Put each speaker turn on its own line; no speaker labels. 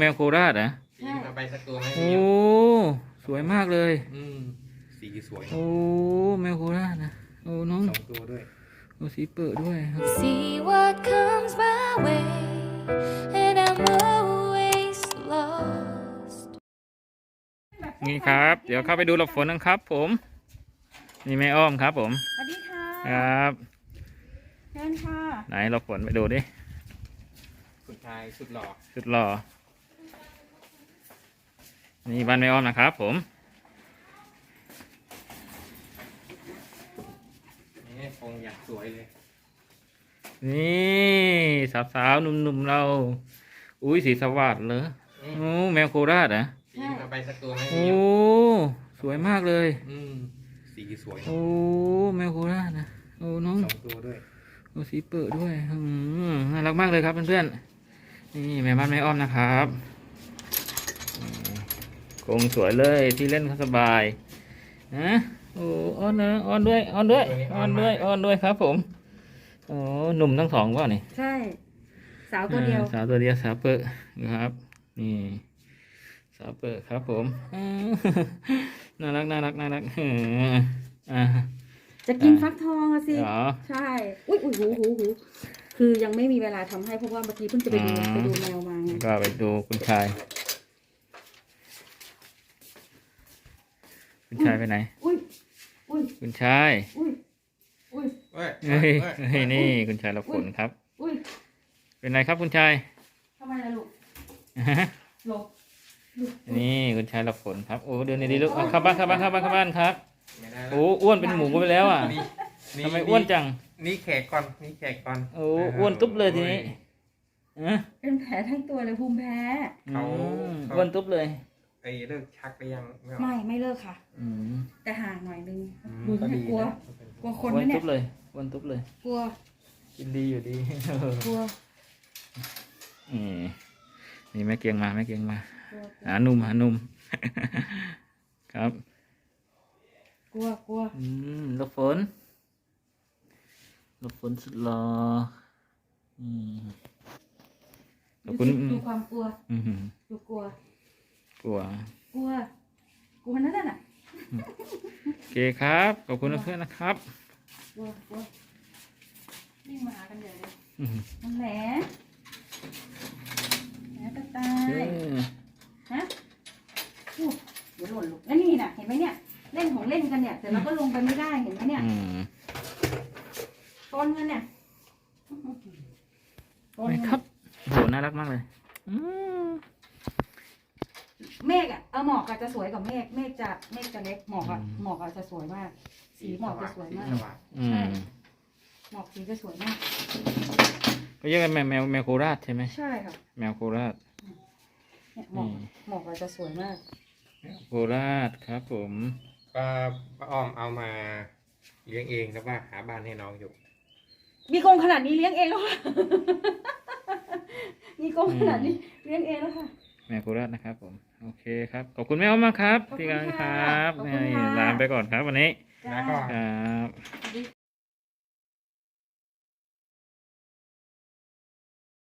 แมวโคราชนะ
ใช่เอาไปสักตัวไหม
โอ้สวยมากเลย
สีสวย
โอ้แมวโคราชนะโอ้น้อง
สองตัวด้วย
โอ้สีเปิดด้วยครับ
See what comes my way, and I'm always lost.
นี่ครับ เดี๋ยวเข้าไปดูหลบฝนกันครับ ผมนี่แม่อ้อมครับผม
สวัสดีค่ะ
ครับ
เชิญค่ะ
ไหนหลบฝนไปดูดิ
คุณชายสุดหล่อ
สุดหล่อนี่บ้านแม่อ้อมนะครับผม
นี่คงอยากสวยเลย
นี่สาวๆหนุ่มๆเรา อุ้ยสีสวัสดิ์เลยโอ้แมวโคราชนะ
เอาไปสักตัวไหม
โอ้สวยมากเลย
สีสวย
โอ้แมวโคราชนะโอ้น้อง
สองตัวด้วย
โอ้สีเปิดด้วยน่ารักมากเลยครับเพื่อนๆนี่แม่บ้านแม่อ้อมนะครับกรงสวยเลยที่เล่นเขาสบายนะโอ้อ้อนนะอ้อนด้วยอ้อนด้วยอ้อนด้วยอ้อนด้วยครับผมโอ้หนุ่มทั้งสองก็นี่
ใช่ สาวตัวเดียว
สาวตัวเดียวสาวเปิดนะครับนี่สาวเปิดครับผมน่ารักน่ารักน่ารัก
จะกินฟักทองอะสิ
เหรอ
ใช่ อุ้ยหูคือยังไม่มีเวลาทำให้เพราะว่าเมื่อกี้เพิ่งจะไปดูแมวมาไง
ก็ไปดูคุณชายคุณชายไปไหน
อุ้ย
คุณชาย
อุ้ย
เฮ้ย
เฮ้ยเฮ้ยนี่คุณชายรับผลครับ
อุ้ย
เป็นไรครับคุณชาย
ทำไมล่ะลูกหลบ
นี่คุณชายรับผลครับโอ้เดินดีๆลูกเอาเข้าบ้านเข้าบ้านเข้าบ้านเข้าบ้านครับโอ้อ้วนเป็นหมูไปแล้วอ่ะทำไมอ้วนจัง
นี่แขกก่อนนี่แขกก่อน
โอ้อ้วนตุ๊บเลยทีนี้
เป็นแผลทั้งตัวเลยภูมิแพ้
อ้วนตุ๊บเลย
ไอ้เลิกชักไปยัง
ไม่เลิกค่ะ แต่ห่างหน่อยนึงดู
ก็
ให้
ดี
กลัว
นะ
กลัวคน
อ้วน
นะเนี่
ตุ๊
ย
บเลยอ้วนตุ๊บเลย
กลัว
กินดีอยู่ดี
กลัว
นี่แม่เกียงมาแม่เกียงมา
กลัว
หาหนุ่มหาหนุ่ม ครับ
กลัว
หลบฝนหลบฝนสุดหล่อขอบคุณ
ดูความกลัว ดูกลัว
กลัว
กลัวนั่นน่ะ
โอเคครับขอบคุณเพื่อนนะครับ
กลัววิ่งมาหากันใหญ่เลย
อืม
มันแหลกระตา
เอย อ
ฮะอู้เดี๋ยวหล่นลูกแล้วนี่น่ะ เห็นไหมเนี่ย เล่นของเล่นกันเนี่ย แต่เราก็ลงไปไม่ได้ เห็นไหมเนี่ย ต้นกันเนี่ยต้น
ไม่
กัน
ครับโหน่ารักมากเลย
เมฆอ่ะหมอกอาจจะสวยกว่าเมฆเมฆจะเล็กหมอกอาจจะสวยมาก สีหมอกจะสวยมาก ใช่ หมอกสีจะสวยมาก
ก็เรียกกันแมวโคราชใช่ไหม
ใช่ค่ะ
แมวโคราช
เนี่ยหมอกอาจจะสวยมาก
โคราชครับผม
ป้าอ้อมเอามาเลี้ยงเองแล้วว่าหาบ้านให้น้องอยู่
มีกรงขนาดนี้เลี้ยงเองแล้วค่ะ มีกรงขนาดนี้เลี้ยงเองแล้วค่ะ
แมวโคราชนะครับผมโอเคครับขอบคุณแม่อ้อมมากครับ
ขอบคุณ
ที่กำลังค
ค่ะ
รับ
ขอบคุณค่ะ
ลาไปก่อนครับวันนี้
แล้วก็
ครับ